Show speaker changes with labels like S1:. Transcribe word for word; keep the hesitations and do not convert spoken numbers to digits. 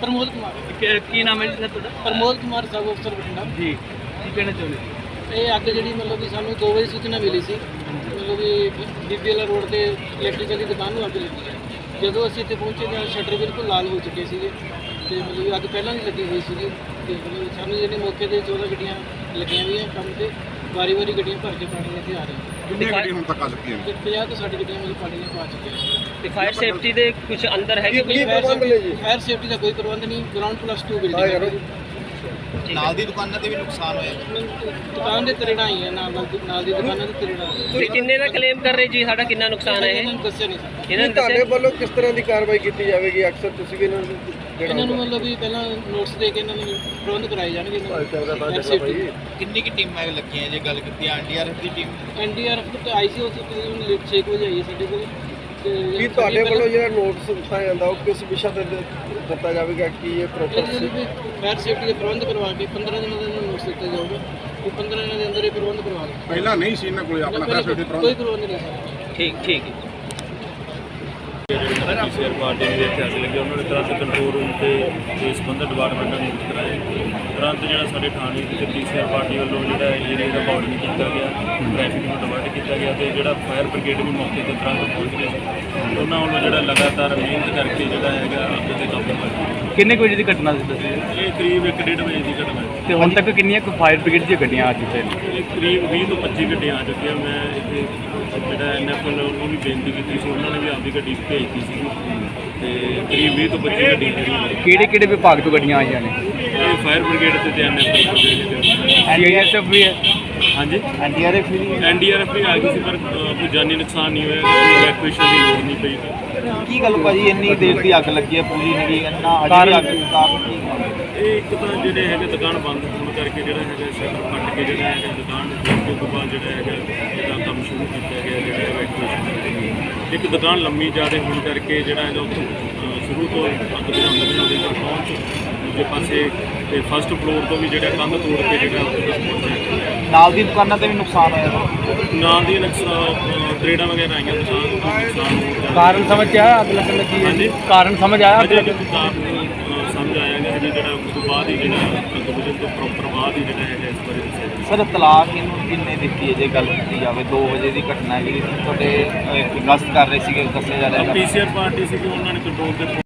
S1: ਪ੍ਰਮੋਦ ਕੁਮਾਰ।
S2: ਕੀ ਨਾਮ ਹੈ ਜੀ ਸਰ ਤੁਹਾਡਾ?
S1: ਪ੍ਰਮੋਦ ਕੁਮਾਰ ਸਬ ਅਫਸਰ ਬਠਿੰਡਾ
S2: ਜੀ ਕੀ ਕਹਿਣਾ ਚਾਹੁੰਦੇ?
S1: ਇਹ ਅੱਗ ਜਿਹੜੀ ਮਤਲਬ ਕਿ ਸਾਨੂੰ ਦੋ ਵਜੇ ਸੂਚਨਾ ਮਿਲੀ ਸੀ, ਮਤਲਬ ਕਿ ਬੀਬੀਐਲ ਰੋਡ ਤੇ ਇਲੈਕਟ੍ਰੀਕਲ ਦੀ ਦੁਕਾਨ ਨੂੰ ਅੱਗ ਲੱਗੀ ਹੈ। ਜਦੋਂ ਅਸੀਂ ਇੱਥੇ ਪਹੁੰਚੇ ਤਾਂ ਸ਼ਟਰ ਬਿਲਕੁਲ ਲਾਲ ਹੋ ਚੁੱਕੇ ਸੀਗੇ ਤੇ ਮਤਲਬ ਕਿ ਅੱਗ ਪਹਿਲਾਂ ਵੀ ਲੱਗੀ ਹੋਈ ਸੀਗੀ ਤੇ ਮਤਲਬ ਸਾਨੂੰ ਜਿਹੜੇ ਮੌਕੇ ਤੇ ਚੌਦਾਂ ਗੱਡੀਆਂ ਲੱਗੀਆਂ ਹੋਈਆਂ ਕੰਮ ਤੇ ਵਾਰੀ ਵਾਰੀ ਗੱਡੀਆਂ ਭਰ ਕੇ ਪਾਣੀ ਇੱਥੇ ਆ ਰਹੀਆਂ।
S3: ਕਿੰਨੀਆਂ ਗੱਡੀਆਂ ਹੁਣ ਤੱਕ ਆ ਚੁੱਕੀਆਂ ਨੇ?
S1: ਤੇ ਪੰਜਾਹ ਤੋਂ ਸੱਠ ਗੱਡੀਆਂ ਮਤਲਬ ਪਾਣੀ ਪਾ ਚੁੱਕੀਆਂ।
S2: ਤੇ ਫਾਇਰ ਸੇਫਟੀ ਦੇ ਕੁਝ ਅੰਦਰ ਹੈਗੇ ਕੋਈ?
S1: ਫਾਇਰ ਸੇਫਟੀ ਦਾ ਕੋਈ ਪ੍ਰਬੰਧ ਨਹੀਂ। ਗਰਾਊਂਡ ਪਲੱਸ ਟੂ ਬਿਲਡਿੰਗ ਹੈ।
S4: ਨਾਲ ਦੀ ਦੁਕਾਨਾਂ ਤੇ ਵੀ ਨੁਕਸਾਨ ਹੋਇਆ।
S1: ਦੁਕਾਨ ਦੇ ਤਰੇੜਾਂ ਹੀ ਹੈ, ਨਾਲ ਨਾਲ ਦੀ ਦੁਕਾਨਾਂ ਦੇ ਤਰੇੜਾਂ।
S2: ਤੇ ਕਿੰਨੇ ਦਾ ਕਲੇਮ ਕਰ ਰਹੇ ਜੀ ਸਾਡਾ ਕਿੰਨਾ ਨੁਕਸਾਨ ਹੈ?
S1: ਇਹਨਾਂ ਨੂੰ ਦੱਸਿਆ ਨਹੀਂ ਸਕਦਾ।
S2: ਇਹਨਾਂ ਨੇ
S5: ਤੁਹਾਡੇ
S2: ਦੱਸਿਆ
S5: ਵੱਲੋਂ ਕਿਸ ਤਰ੍ਹਾਂ ਦੀ ਕਾਰਵਾਈ ਕੀਤੀ ਜਾਵੇਗੀ? ਅਕਸਰ ਤੁਸੀਂ ਵੀ ਇਹਨਾਂ ਨੂੰ
S1: ਇਹਨਾਂ ਨੂੰ ਮਤਲਬ ਵੀ ਪਹਿਲਾਂ ਨੋਟਿਸ ਦੇ ਕੇ ਇਹਨਾਂ ਨੂੰ ਪ੍ਰਬੰਧ ਕਰਾਏ ਜਾਣਗੇ। ਫਾਇਰ ਸੇਫਟੀ
S4: ਕਿੰਨੀ ਕਿ ਟੀਮਾਂ ਲੱਗੀਆਂ ਜੇ ਗੱਲ ਕੀਤੀ? ਐਨਡੀਆਰਐਫ ਦੀ ਟੀਮ
S1: ਐਨਡੀਆਰਐਫ ਤੇ ਆਈ ਸੀ ਉਹ ਤਕਰੀਬਨ ਲੇਟ ਛੇ ਕੁ ਵਜੇ ਆਈ ਹੈ ਸਾਡੇ ਕੋਲ। ਤੇ
S5: ਕੀ ਤੁਹਾਡੇ ਵੱਲੋਂ ਜਿਹੜਾ ਨੋਟਿਸ ਦਿੱਤਾ ਜਾਂਦਾ ਉਹ ਕਿਸ ਵਿਸ਼ਾ ਤੇ ਦਿੱਤਾ ਜਾਵੇਗਾ? ਕੀ ਇਹ ਪ੍ਰੋਪਰ
S1: ਫਾਇਰ ਸੇਫਟੀ ਦੇ ਪ੍ਰਬੰਧ ਕਰਵਾ ਕੇ ਪੰਦਰਾਂ ਦਿਨਾਂ ਦਾ ਨੋਟਿਸ ਦਿੱਤਾ ਜਾਊਗਾ ਕਿ ਪੰਦਰਾਂ ਦਿਨਾਂ ਦੇ ਅੰਦਰ ਇਹ ਪ੍ਰਬੰਧ ਕਰਵਾ ਲਓ।
S3: ਪਹਿਲਾਂ ਨਹੀਂ ਸੀ ਇਹਨਾਂ ਕੋਲ ਆਪਣਾ ਫਾਇਰ ਸੇਫਟੀ ਪ੍ਰਬੰਧ?
S1: ਕੋਈ ਪ੍ਰਬੰਧ ਨਹੀਂ ਸੀ।
S2: ਠੀਕ ਠੀਕ ਹੈ।
S6: ਪੀਸੀਆਰ ਪਾਰਟੀ ਦੇ ਇੱਥੇ ਅੱਗ ਲੱਗੀ, ਉਹਨਾਂ ਨੇ ਤੁਰੰਤ ਕੰਟਰੋਲ ਰੂਮ ਤੇ ਇਸ ਸੰਬੰਧਿਤ ਡਿਪਾਰਟਮੈਂਟ ਨੂੰ ਨਿਯੁਕਤ ਕਰਾਇਆ। ਤੁਰੰਤ ਜਿਹੜਾ ਸਾਡੇ ਥਾਣੇ ਤੇ ਪੀਸੀਆਰ ਪਾਰਟੀ ਵੱਲੋਂ ਜਿਹੜਾ ਏਰੀਆ ਦਾ ਬਾਰਡਰਿੰਗ ਕੀਤਾ ਗਿਆ, ਟ੍ਰੈਫਿਕ ਨੂੰ ਡਿਵਰਟ ਕੀਤਾ ਗਿਆ ਤੇ ਜਿਹੜਾ ਫਾਇਰ ਬ੍ਰਿਗੇਡ ਵੀ ਮੌਕੇ ਤੇ ਤੁਰੰਤ ਪਹੁੰਚ ਗਏ ਸੀ। ਉਹਨਾਂ ਵੱਲੋਂ ਜਿਹੜਾ ਲਗਾਤਾਰ ਮਿਹਨਤ ਕਰਕੇ ਜਿਹੜਾ ਹੈਗਾ ਅੱਗ ਤੇ ਕਾਬੂ ਪਾਇਆ।
S7: ਕਿੰਨੇ ਕੁ ਵਜੇ ਦੀ ਘਟਨਾ ਸੀ ਦੱਸੀ?
S6: ਇਹ ਕਰੀਬ ਇੱਕ ਡੇਢ ਵਜੇ ਦੀ ਘਟਨਾ ਹੈ
S7: ਤੇ ਹੁਣ ਤੱਕ ਕਿੰਨੀਆਂ ਕੁ ਫਾਇਰ ਬ੍ਰਿਗੇਡ ਦੀਆਂ ਗੱਡੀਆਂ ਆ ਚੁੱਕੀਆਂ ਨੇ?
S6: ਇਹ ਕਰੀਬ ਵੀਹ ਤੋਂ ਪੱਚੀ ਗੱਡੀਆਂ ਆ ਚੁੱਕੀਆਂ। ਮੈਂ ਇੱਥੇ ਜਿਹੜਾ ਐਨ ਐਫ ਐਲ ਉਹਨੂੰ ਵੀ ਬੇਨਤੀ ਕੀਤੀ ਸੀ, ਉਹਨਾਂ ਨੇ ਵੀ ਆਪਦੀ ਗੱਡੀ ਭੇਜਤੀ ਸੀ ਤੇ ਕਰੀਬ ਵੀਹ ਤੋਂ ਪੱਚੀ ਗੱਡੀਆਂ ਜਿਹੜੀਆਂ
S7: ਕਿਹੜੇ ਕਿਹੜੇ ਵਿਭਾਗ ਤੋਂ ਗੱਡੀਆਂ ਆਈਆਂ ਨੇ?
S6: ਇਹ ਫਾਇਰ ਬ੍ਰਿਗੇਡ ਤੇ N F L.
S7: N D R F ਵੀ ਹੈ?
S6: ਹਾਂਜੀ
S7: ਐਨ ਡੀ ਆਰ ਐਫ ਵੀ ਹੈ?
S6: ਐਨ ਡੀ ਆਰ ਐਫ ਵੀ ਆ ਗਈ ਸੀ ਪਰ ਅ, ਕੋਈ ਜਾਨੀ ਨੁਕਸਾਨ ਨਹੀਂ ਹੋਇਆ, ਕੋਈ ਇਵੈਕੂਏਸ਼ਨ ਦੀ ਲੋੜ ਨਹੀਂ ਪਈ।
S4: ਕੀ ਗੱਲ ਭਾਜੀ ਇੰਨੀ ਦੇਰ ਦੀ ਅੱਗ ਲੱਗੀ ਹੈ, ਪੂਰੀ ਨਹੀਂ ਇੰਨਾ
S7: ਕਾਰਨ-
S4: ਅਜੇ ਵੀ ਅੱਗ ਕਾਰਨ ਕੀ?
S6: ਇਹ ਇੱਕ ਤਾਂ ਜਿਹੜੇ ਹੈਗੇ ਦੁਕਾਨ ਬੰਦ ਹੋਣ ਕਰਕੇ ਜਿਹੜਾ ਹੈਗਾ ਸ਼ਟਰ ਫਟ ਕੇ ਜਿਹੜਾ ਹੈਗਾ ਦੁਕਾਨ ਖੋਲ੍ਹਣ ਤੋਂ ਬਾਅਦ ਜਿਹੜਾ ਹੈਗਾ ਇਹਦਾ ਕੰਮ ਸ਼ੁਰੂ ਕੀਤਾ ਗਿਆ ਜਿਹੜਾ ਇਵੈਕੂਏਸ਼ਨ। ਇੱਕ ਦੁਕਾਨ ਲੰਮੀ ਜ਼ਿਆਦਾ ਹੋਣ ਕਰਕੇ ਜਿਹੜਾ ਹੈਗਾ ਉੱਥੋਂ ਅ, ਸ਼ੁਰੂ ਤੋਂ ਅੱਗ ਬੁਝਾਉਂਦੇ ਬੁਝਾਉਂਦੇ ਤੱਕ ਪਹੁੰਚ ਦੂਜੇ ਪਾਸੇ ਤੇ ਫਸਟ ਫਲੋਰ ਤੋਂ ਵੀ ਜਿਹੜਾ ਕੰਧ ਤੋੜ ਕੇ ਜਿਹੜਾ ਉੱਥੇ ਤੱਕ ਪਹੁੰਚਿਆ।
S4: ਨਾਲ ਦੀ ਦੁਕਾਨਾਂ ਤੇ ਵੀ ਨੁਕਸਾਨ ਹੋਇਆ।
S6: ਨਾਲ ਦੀ ਨੁਕਸਾਨ ਤਰੇੜਾਂ ਵਗੈਰਾ ਆਈਆਂ, ਦੁਕਾਨ ਨੂੰ ਨੁਕਸਾਨ ਹੋ ਗਿਆ।
S7: ਕਾਰਨ ਸਮਝ ਆਇਆ ਅੱਗ ਲੱਗਣ ਲੱਗੀ ਹੈ?
S6: ਹਾਂਜੀ।
S7: ਕਾਰਨ ਸਮਝ ਆਇਆ ਅੱਗ
S6: ਅਜੇ
S7: ਲੱਗਣ?
S6: ਕੋਈ ਕਾਰਨ ਅ, ਸਮਝ ਆਇਆ ਕਿ ਹਜੇ ਜਿਹੜਾ ਉਸ ਤੋਂ ਬਾਅਦ ਹੀ ਜਿਹੜਾ ਅੱਗ ਬੁਝਣ ਤੋਂ ਪ੍ਰੋਪਰ ਬਾਅਦ ਹੀ ਜਿਹੜਾ ਹੈਗਾ ਇਸ ਬਾਰੇ ਦੱਸਿਆ ਜਾਊਗਾ।
S4: ਸਰ ਤਲਾਕ ਇਹਨੂੰ ਕਿੰਨੇ ਦਿੱਤੀ ਹੈ ਜੇ ਗੱਲ ਕੀਤੀ ਜਾਵੇ? ਦੋ ਵਜੇ ਦੀ ਘਟਨਾ ਹੈਗੀ, ਤੁਹਾਡੇ ਅ, ਗਸ਼ਤ ਕਰ ਰਹੇ ਸੀਗੇ ਦੱਸਿਆ ਜਾ ਰਿਹਾ।
S6: ਪੀਸੀਆਰ ਪਾਰਟੀ ਸੀ ਕਿ ਉਹਨਾਂ ਨੇ ਕੰਟਰੋਲ ਤੇ